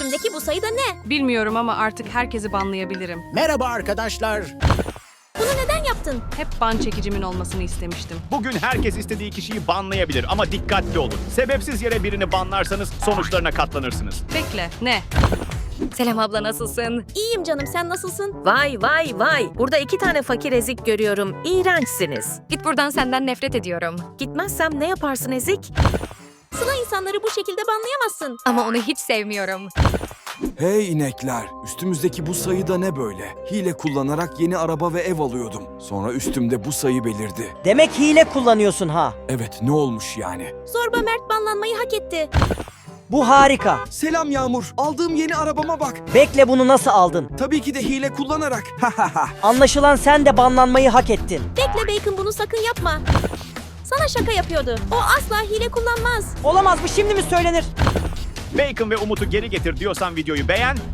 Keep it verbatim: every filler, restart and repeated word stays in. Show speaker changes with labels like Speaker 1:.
Speaker 1: Üstümdeki bu sayı da ne?
Speaker 2: Bilmiyorum ama artık herkesi banlayabilirim.
Speaker 3: Merhaba arkadaşlar.
Speaker 1: Bunu neden yaptın?
Speaker 2: Hep ban çekicimin olmasını istemiştim.
Speaker 4: Bugün herkes istediği kişiyi banlayabilir ama dikkatli olun. Sebepsiz yere birini banlarsanız sonuçlarına katlanırsınız.
Speaker 2: Bekle, ne?
Speaker 5: Selam abla, nasılsın?
Speaker 1: İyiyim canım, sen nasılsın?
Speaker 6: Vay vay vay. Burada iki tane fakir ezik görüyorum. İğrençsiniz.
Speaker 5: Git buradan, senden nefret ediyorum.
Speaker 6: Gitmezsem ne yaparsın ezik?
Speaker 1: Sıla insanları bu şekilde banlayamazsın.
Speaker 5: Ama onu hiç sevmiyorum.
Speaker 7: Hey inekler, üstümüzdeki bu sayı da ne böyle? Hile kullanarak yeni araba ve ev alıyordum. Sonra üstümde bu sayı belirdi.
Speaker 8: Demek hile kullanıyorsun ha.
Speaker 7: Evet, ne olmuş yani?
Speaker 1: Zorba Mert banlanmayı hak etti.
Speaker 8: Bu harika.
Speaker 7: Selam Yağmur, aldığım yeni arabama bak.
Speaker 8: Bekle, bunu nasıl aldın?
Speaker 7: Tabii ki de hile kullanarak.
Speaker 8: Anlaşılan sen de banlanmayı hak ettin.
Speaker 1: Bekle Bacon, bunu sakın yapma. Sana şaka yapıyordu. O asla hile kullanmaz.
Speaker 8: Olamaz, bu şimdi mi söylenir?
Speaker 4: Bacon ve Umut'u geri getir diyorsan videoyu beğen,